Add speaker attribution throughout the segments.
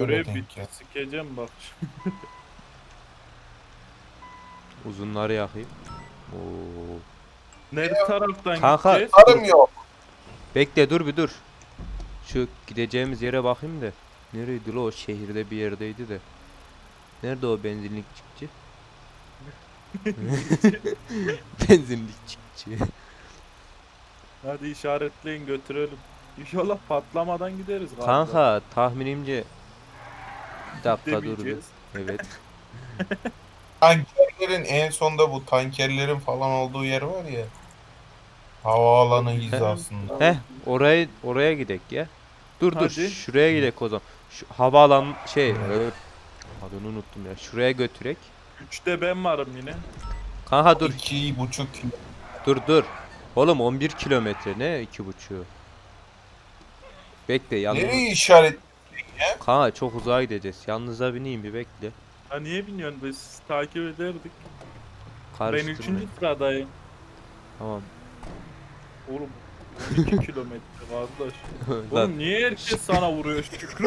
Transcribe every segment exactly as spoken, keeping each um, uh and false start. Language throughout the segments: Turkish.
Speaker 1: öyle
Speaker 2: Görev
Speaker 1: denk
Speaker 2: bitti.
Speaker 1: gel.
Speaker 2: Sikeceğim bak.
Speaker 3: Uzunları yakayım. Oo.
Speaker 2: Nerede taraftan
Speaker 3: Kanka
Speaker 2: gideceğiz?
Speaker 3: dur.
Speaker 1: Tarım yok.
Speaker 3: Bekle dur bir dur. Şu gideceğimiz yere bakayım da. Nereydi la o, şehirde bir yerdeydi de. Nerede o benzinlikçi? Benzinlikçi.
Speaker 2: Hadi işaretleyin götürelim. İnşallah patlamadan gideriz galiba.
Speaker 3: Kanka tahminimce bir dakika dur bir.
Speaker 2: Demeyeceğiz.
Speaker 3: Evet.
Speaker 1: Tankerlerin en sonda bu tankerlerin falan olduğu yer var ya. Havaalanı hizasında.
Speaker 3: Heh, oraya oraya gidek ya. Dur dur
Speaker 2: Hadi.
Speaker 3: şuraya gidek o zaman. Şu havaalan şey ö, adını unuttum ya. Şuraya götürek.
Speaker 2: Üçte ben varım yine.
Speaker 3: Kanka dur
Speaker 1: İki buçuk kilo.
Speaker 3: dur dur. Oğlum on bir kilometre ne iki buçuğu. Bekle yalnız.
Speaker 1: Nereye işaret?
Speaker 3: Kanka çok uzağa gideceğiz. Yalnız'a bineyim bir bekle.
Speaker 2: Ha niye biniyorsun? Biz sizi takip ederdik. Ben
Speaker 3: Karıştırma.
Speaker 2: üçüncü sıradayım.
Speaker 3: Tamam.
Speaker 2: Oğlum on iki kilometre kardeş.
Speaker 3: Lan,
Speaker 2: Oğlum niye herkes sana vuruyor Şükrü?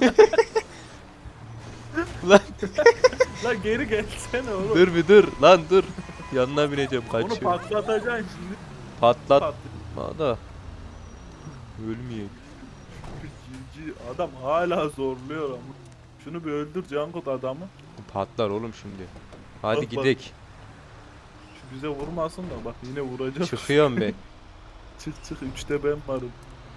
Speaker 3: lan
Speaker 2: Lan geri gelsene oğlum.
Speaker 3: dur bir dur lan dur. Yanına bineceğim
Speaker 2: Onu
Speaker 3: kaçıyor.
Speaker 2: patlatacaksın şimdi.
Speaker 3: Patlatma
Speaker 2: Pat.
Speaker 3: da. Ölmeyeyim.
Speaker 2: Cici adam hala zorluyor ama. Şunu bir öldür Cankut adamı.
Speaker 3: Patlar oğlum şimdi. Hadi
Speaker 2: Bak, bak.
Speaker 3: gidek.
Speaker 2: Şu bize vurmasın da bak yine vuracak.
Speaker 3: Çıkıyorum be.
Speaker 2: Çık çık üçte ben varım.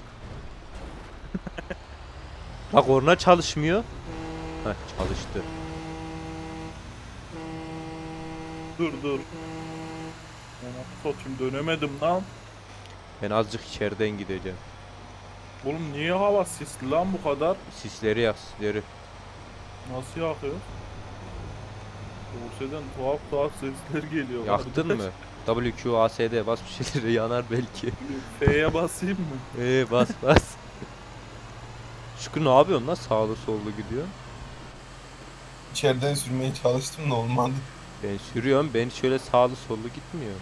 Speaker 3: Bak orna çalışmıyor. Heh çalıştı.
Speaker 2: Dur dur. Ona satayım dönemedim lan.
Speaker 3: Ben azıcık içeriden gideceğim.
Speaker 2: Oğlum niye hava sisli lan bu kadar?
Speaker 3: Sisleri yak sisleri.
Speaker 2: Nasıl yakıyor? Bursa'dan tuhaf tuhaf sesler geliyor.
Speaker 3: Yaktın mı? W Q A S D bas bir şeyleri yanar belki.
Speaker 2: F'ye basayım mı?
Speaker 3: Eee bas bas. Şükrü ne yapıyorsun lan, sağlı sollu gidiyor.
Speaker 1: İçeriden sürmeye çalıştım da olmadı.
Speaker 3: Ben sürüyorum, ben şöyle sağlı sollu gitmiyor.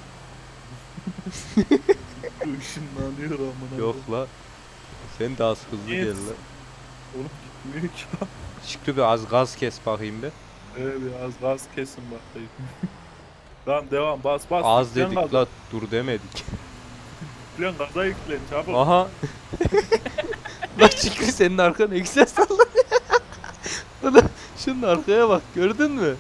Speaker 2: Işınlanıyor amına.
Speaker 3: Yok la. Sen de az hızlı
Speaker 2: Niye?
Speaker 3: gel la.
Speaker 2: Oğlum gitmiyor ki.
Speaker 3: Şükrü bir az gaz kes bakayım bir.
Speaker 2: Evet biraz gaz kesin bakayım. Tamam devam bas bas.
Speaker 3: Az
Speaker 2: Yüklen
Speaker 3: dedik
Speaker 2: gaza.
Speaker 3: la, dur demedik.
Speaker 2: Yüklen gaza yüklen çabuk.
Speaker 3: Aha. La Şükrü senin arkan eksen sallanıyor. Ulan şunun arkaya bak, gördün mü?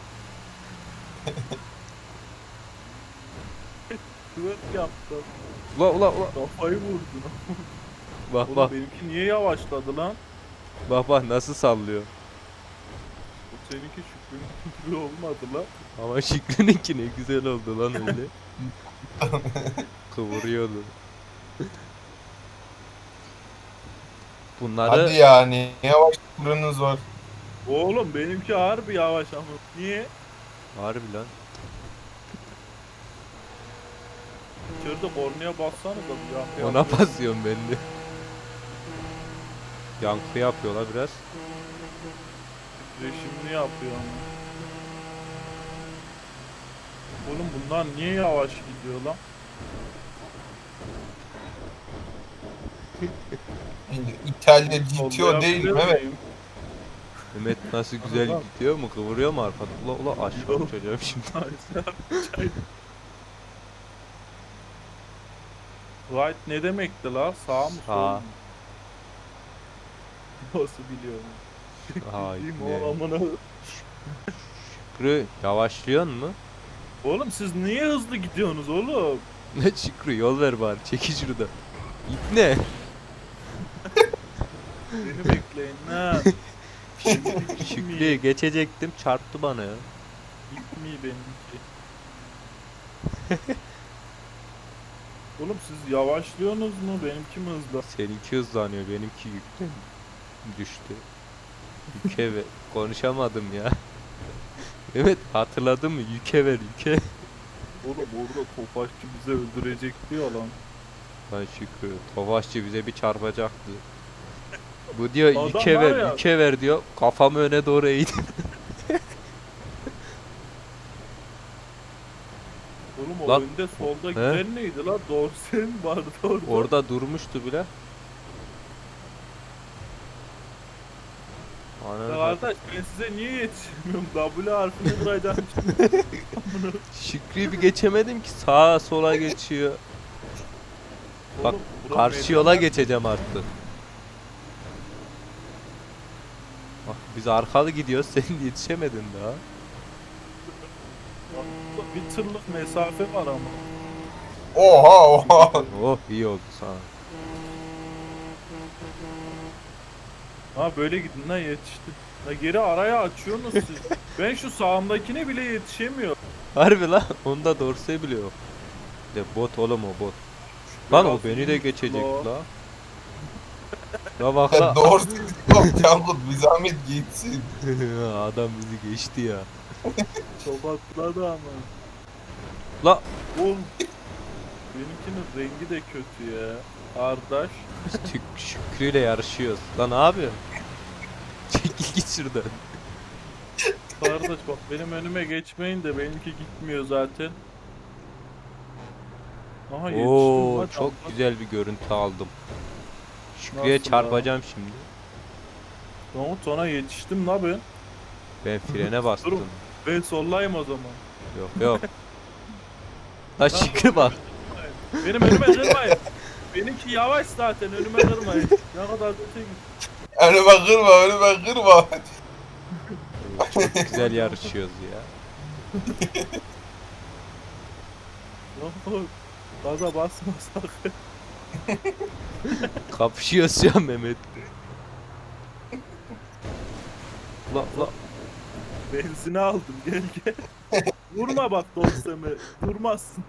Speaker 2: Kıvırt yaptı.
Speaker 3: Ula ula ula.
Speaker 2: Kafayı vurdun.
Speaker 3: Bak
Speaker 2: Oğlum
Speaker 3: bak
Speaker 2: benimki niye yavaşladı lan?
Speaker 3: bak bak nasıl sallıyor.
Speaker 2: O seninki Şükrü'nün gibi olmadı lan.
Speaker 3: Ama Şükrü'nünki ne güzel oldu lan öyle. Kıvırıyordu. Bunları
Speaker 1: Hadi yani. Ne yavaş fırınız var.
Speaker 2: Oğlum benimki harbi yavaş ama. Niye?
Speaker 3: harbi lan.
Speaker 2: İçeride kornaya bassanız da bir yankı
Speaker 3: Ona
Speaker 2: yapıyor.
Speaker 3: basıyorum ben de. Yankı yapıyorlar biraz.
Speaker 2: Reşimli yapıyor ama. Oğlum bunlar niye yavaş gidiyor lan?
Speaker 1: Şimdi İtalya G T O
Speaker 2: Sollayabilir
Speaker 1: değil mi? Evet.
Speaker 2: miyim?
Speaker 3: Mehmet nasıl güzel
Speaker 2: Adam.
Speaker 3: gidiyor mu? Kıvırıyor mu arkada? Ula ula aşağı
Speaker 2: Yok.
Speaker 3: uçacağım şimdi.
Speaker 2: Right ne demekti la? Sağ mı sol
Speaker 3: Sağ.
Speaker 2: mu? Nasıl biliyorum?
Speaker 3: Ay
Speaker 2: Bildiğim
Speaker 3: ne?
Speaker 2: o amına.
Speaker 3: Şükrü yavaşlıyor mu?
Speaker 2: Oğlum siz niye hızlı gidiyorsunuz oğlum?
Speaker 3: Ne Şükrü, yol ver bari, çeki şurada. İp ne?
Speaker 2: Beni bekleyin ha.
Speaker 3: Şükrü geçecektim, çarptı bana ya.
Speaker 2: Gitmiyor benimki. Oğlum siz yavaşlıyorsunuz mu? Benimki mi hızlı?
Speaker 3: Seninki hızlanıyor, benimki yükten düştü. Yüke ver. Konuşamadım ya. Evet hatırladın mı? Yüke ver yüke.
Speaker 2: Oğlum orada topaççı bizi öldürecek diyor lan.
Speaker 3: Lan Şükrü, Tofaşçı bize bir çarpacaktı. Bu diyor
Speaker 2: Adam
Speaker 3: yüke
Speaker 2: var
Speaker 3: ver
Speaker 2: ya-
Speaker 3: yüke ver diyor. Kafamı öne doğru eğdim.
Speaker 2: Oğlum o
Speaker 3: Lan-
Speaker 2: önde solda
Speaker 3: He?
Speaker 2: giden neydi lan? Dorsen vardı orada.
Speaker 3: Orada durmuştu bile. Ananı
Speaker 2: Ya
Speaker 3: satayım.
Speaker 2: kardeş ben size niye yetişemiyorum? W harfini vuracağım. Amına.
Speaker 3: Şükrü'yü bir geçemedim ki, sağa sola geçiyor. Bak,
Speaker 2: Oğlum, bura
Speaker 3: karşı
Speaker 2: meydan
Speaker 3: yola
Speaker 2: var.
Speaker 3: geçeceğim artık. Bak biz arkalı gidiyoruz, sen yetişemedin daha.
Speaker 2: Bir tırlık mesafe var ama.
Speaker 1: Oha oha.
Speaker 3: Oh, iyi oldu sana.
Speaker 2: Ha böyle gidin lan yetişti. La geri araya açıyorsunuz siz. Ben şu sağımdakine bile yetişemiyorum.
Speaker 3: Harbi lan, onda dorse bile yok. De bot oğlum, o bot. Lan o beni de geçecek la. La bak la.
Speaker 1: Doğru yok Cankut, bir zahmet gitsin.
Speaker 3: Adam bizi geçti ya.
Speaker 2: Tokatladı ama.
Speaker 3: La
Speaker 2: Oğlum. Benimkinin rengi de kötü ya. Kardeş.
Speaker 3: biz Tük Şükrü'yle yarışıyoruz. Lan ne yapıyorsun? Çekil git şuradan.
Speaker 2: Kardeş bak benim önüme geçmeyin de benimki gitmiyor zaten. Aha yetiştim
Speaker 3: Oo,
Speaker 2: lan.
Speaker 3: çok
Speaker 2: Cankat.
Speaker 3: güzel bir görüntü aldım. Şükrü'ye
Speaker 2: Nasıl
Speaker 3: çarpacağım şimdi.
Speaker 2: Tamam sana yetiştim la ben.
Speaker 3: Ben frene bastım.
Speaker 2: Durun. Ben sollayayım o zaman.
Speaker 3: Yok yok. La Şükrü bak.
Speaker 2: Benim önüme kırmayın. Benimki yavaş zaten önüme kırmayın. Ne kadar öte git.
Speaker 1: Önüme kırma, önüme kırma.
Speaker 3: Çok güzel yarışıyoruz ya.
Speaker 2: Yok, gaza basma sakın.
Speaker 3: Kapışıyoruz ya Mehmet. La la.
Speaker 2: Benzini aldım gel gel. Vurma bak dosteme. Vurmazsın.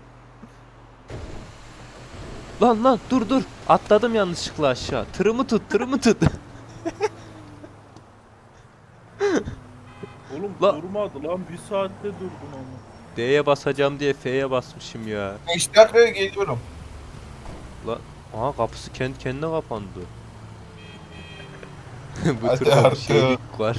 Speaker 3: Lan lan dur dur. Atladım yanlışlıkla aşağı. Tırımı tut, tırımı tut.
Speaker 2: Oğlum
Speaker 3: La-
Speaker 2: durmadı lan bir saatte durdun ama.
Speaker 3: D'ye basacağım diye F'ye basmışım ya.
Speaker 1: beş dakikaya geliyorum.
Speaker 3: La, aha kapısı kendi kendine kapandı. Bu
Speaker 1: Hadi
Speaker 3: turda bir
Speaker 1: artık.
Speaker 3: şeylik var.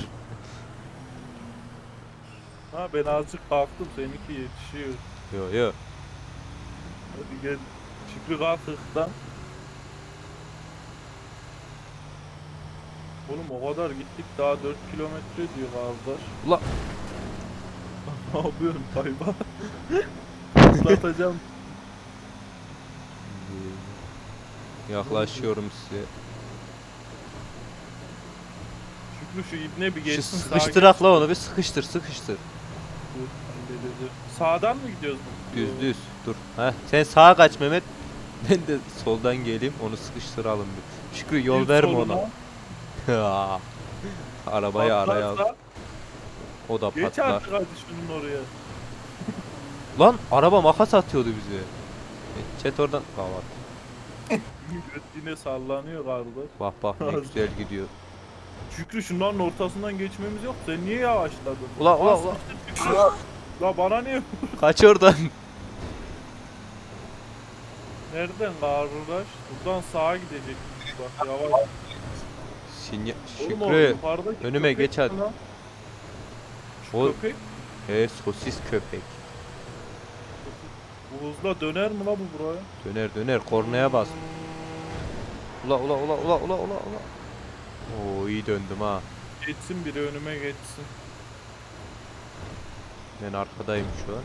Speaker 2: Ha ben azıcık kalktım seninki yetişiyor.
Speaker 3: Yo yo.
Speaker 2: Hadi gel. Şükrü kalk hıktan. Oğlum o kadar gittik daha dört kilometre diyor kardeş.
Speaker 3: Ula.
Speaker 2: Ne yapıyorsun kayba? Uzatacağım.
Speaker 3: Yaklaşıyorum size.
Speaker 2: Şükrü şu ibne bir
Speaker 3: Şu
Speaker 2: geçsin. sağa
Speaker 3: sıkıştırak
Speaker 2: geçsin.
Speaker 3: la onu, bir sıkıştır sıkıştır.
Speaker 2: Dur, halledeceğim. Sağdan mı gidiyoruz?
Speaker 3: Düz düz dur. Heh, sen sağa kaç Mehmet. Ben de soldan geleyim, onu sıkıştıralım bir. Şükrü yol
Speaker 2: Bir
Speaker 3: verme
Speaker 2: soluna,
Speaker 3: ona. Arabayı araya al.
Speaker 2: patlarsa
Speaker 3: O da
Speaker 2: geç
Speaker 3: patlar.
Speaker 2: artık hadi şunun oraya.
Speaker 3: Lan araba makas atıyordu bize. E, Çet oradan. Kavat.
Speaker 2: Göt yine sallanıyor kardeş.
Speaker 3: Bak bak ne güzel gidiyor.
Speaker 2: Şükrü şunların ortasından geçmemiz yok. Sen niye yavaşladın?
Speaker 3: Ula ula
Speaker 2: Nasıl
Speaker 3: ula.
Speaker 2: işte Şükrü? La bana niye?
Speaker 3: Kaç oradan.
Speaker 2: Nereden kardeş? Buradan sağa gidecek. Bak yavaş.
Speaker 3: Sinya
Speaker 2: Oğlum o
Speaker 3: Şükrü.
Speaker 2: yukarıdaki
Speaker 3: önüme
Speaker 2: köpek
Speaker 3: geç hadi.
Speaker 2: mi lan? Şu
Speaker 3: O-
Speaker 2: köpek
Speaker 3: He, sosis köpek.
Speaker 2: bu hızla döner mi la bu buraya?
Speaker 3: Döner döner, kornaya bas. Ula ula ula ula ula ula ula. Oo, iyi döndüm ha.
Speaker 2: Geçsin biri önüme geçsin.
Speaker 3: Ben arkadayım şu an.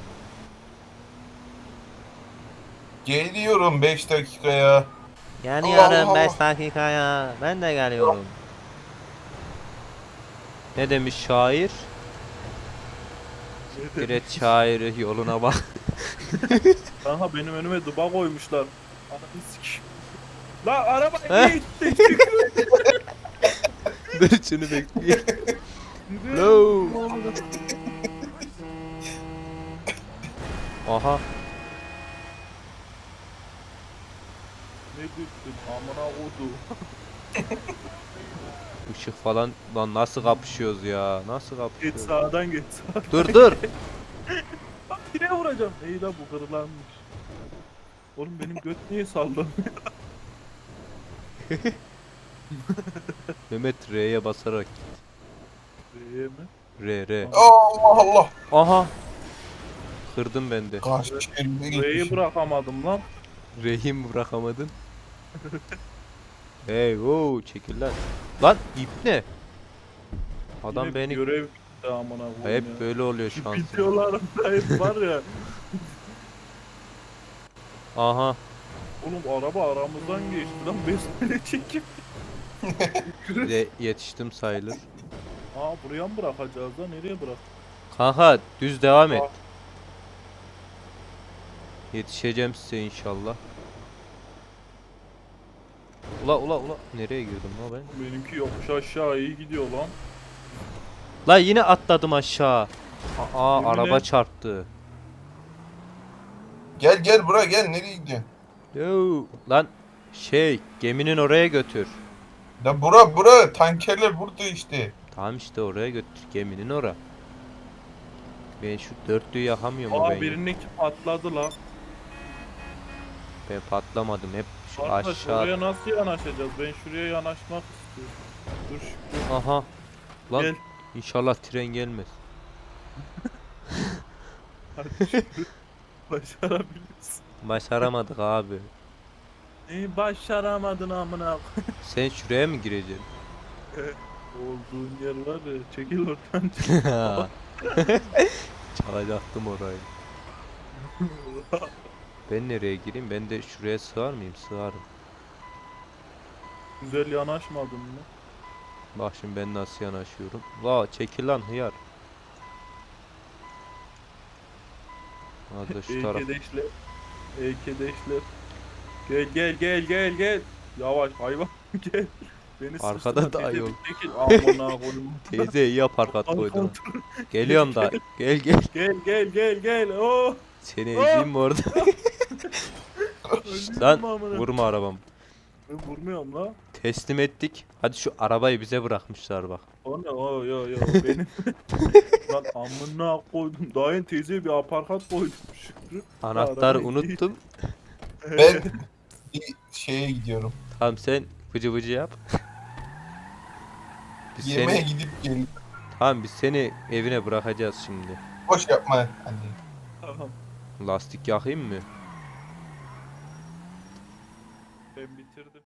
Speaker 1: Geliyorum beş dakikaya.
Speaker 3: Geliyorum
Speaker 1: Allah
Speaker 3: beş
Speaker 1: Allah.
Speaker 3: dakikaya. Ben de geliyorum. Ne demiş şair?
Speaker 2: Ne
Speaker 3: Direkt şairi yoluna bak.
Speaker 2: Kanka benim önüme duba koymuşlar. Ananı sikeyim. La araba
Speaker 3: He?
Speaker 2: niye gitti? Şükrü.
Speaker 3: Dur şunu bekleyin.
Speaker 2: Yürü.
Speaker 3: No. Aha.
Speaker 2: Ne düştün amına kodu.
Speaker 3: Işık falan, lan nasıl kapışıyoruz ya? Nasıl
Speaker 2: Geç
Speaker 3: kapışıyoruz?
Speaker 2: sağdan geç sağdan.
Speaker 3: Dur dur.
Speaker 2: Bak yine vuracağım. İyi la bu kırılanmış. Oğlum benim göt niye sallanıyor?
Speaker 3: Mehmet R'ye basarak.
Speaker 2: Eee mi?
Speaker 3: R R.
Speaker 1: Allah Allah.
Speaker 3: Aha. Kırdım ben de.
Speaker 1: Kaç yerine
Speaker 2: R'yi
Speaker 1: gitmişim.
Speaker 2: bırakamadım lan.
Speaker 3: R'yi mi bırakamadın? Hey wow, çekil lan. Lan ip ne? Adam
Speaker 2: Yine
Speaker 3: beni
Speaker 2: görev bitti amına koyayım
Speaker 3: hep
Speaker 2: ya.
Speaker 3: böyle oluyor
Speaker 2: Şu
Speaker 3: şansım.
Speaker 2: videolarımda hep var ya.
Speaker 3: Aha.
Speaker 2: Oğlum araba aramızdan geçti lan. Besmele çekip.
Speaker 3: Size yetiştim sayılır.
Speaker 2: Aa buraya mı bırakacağız lan? Nereye bırak?
Speaker 3: Kanka düz devam et.
Speaker 2: Aa.
Speaker 3: Yetişeceğim size inşallah. Ula ula ula. Nereye girdim la ben?
Speaker 2: Benimki yokuş aşağı iyi gidiyor lan.
Speaker 3: La yine atladım aşağı. Aa
Speaker 2: Yemin
Speaker 3: araba
Speaker 2: et.
Speaker 3: çarptı.
Speaker 1: Gel gel buraya gel, nereye gidiyorsun?
Speaker 3: Yo lan şey geminin oraya götür.
Speaker 1: Da bura bura tankerler burada işte.
Speaker 3: Tamam işte oraya götür geminin ora. Ben şu dörtlüyü yakamıyorum mu ben
Speaker 2: Aa
Speaker 3: ya?
Speaker 2: birininki patladı lan.
Speaker 3: Ben patlamadım hep şu
Speaker 2: Arkadaş
Speaker 3: aşağı.
Speaker 2: oraya nasıl yanaşacağız? Ben şuraya yanaşmak istiyorum. Dur Şükrü.
Speaker 3: Aha. Lan
Speaker 2: Gel.
Speaker 3: inşallah tren gelmez.
Speaker 2: Hadi Şükrü. Başarabilirsin.
Speaker 3: Başaramadık abi.
Speaker 2: Neyi başaramadın amına koyayım?
Speaker 3: Sen şuraya mı gireceksin?
Speaker 2: Olduğun yer var ya. Çekil oradan.
Speaker 3: Çalacaktım orayı. Ben nereye gireyim? Ben de şuraya sığar mıyım? Sığarım.
Speaker 2: Güzel yanaşmadın mı?
Speaker 3: Bak şimdi ben nasıl yanaşıyorum. La çekil lan hıyar. Hadi şu taraf.
Speaker 2: Eykedeşler. Eykedeşler. Gel gel gel gel gel. Yavaş hayvan gel. Beni
Speaker 3: Arkada
Speaker 2: sıçtırma,
Speaker 3: da
Speaker 2: teyze,
Speaker 3: yol.
Speaker 2: bir çekil. Amına koyayım.
Speaker 3: Teyze iyi yapar kat koydun.
Speaker 2: Kontrol.
Speaker 3: Geliyorum da. Gel gel.
Speaker 2: Gel gel gel gel. Oh.
Speaker 3: Seni ezeyim mi orada?
Speaker 2: Öldüm
Speaker 3: Lan
Speaker 2: amına.
Speaker 3: vurma arabam.
Speaker 2: Ben vurmuyorum la.
Speaker 3: Teslim ettik. Hadi şu arabayı bize bırakmışlar bak.
Speaker 2: O ne o yo yo benim. Lan amına koydum. Dayın teyzeye bir aparkat koydum Şükrü.
Speaker 3: Anahtarı
Speaker 2: Arabayı-
Speaker 3: unuttum.
Speaker 1: Ben bir şeye gidiyorum.
Speaker 3: Tamam sen vıcı vıcı yap. Biz
Speaker 1: Yemeğe
Speaker 3: seni,
Speaker 1: gidip gel.
Speaker 3: tamam biz seni evine bırakacağız şimdi.
Speaker 1: Boş yapma. Hadi.
Speaker 2: Tamam
Speaker 3: Lastik yakayım mı?
Speaker 2: ben bitirdim.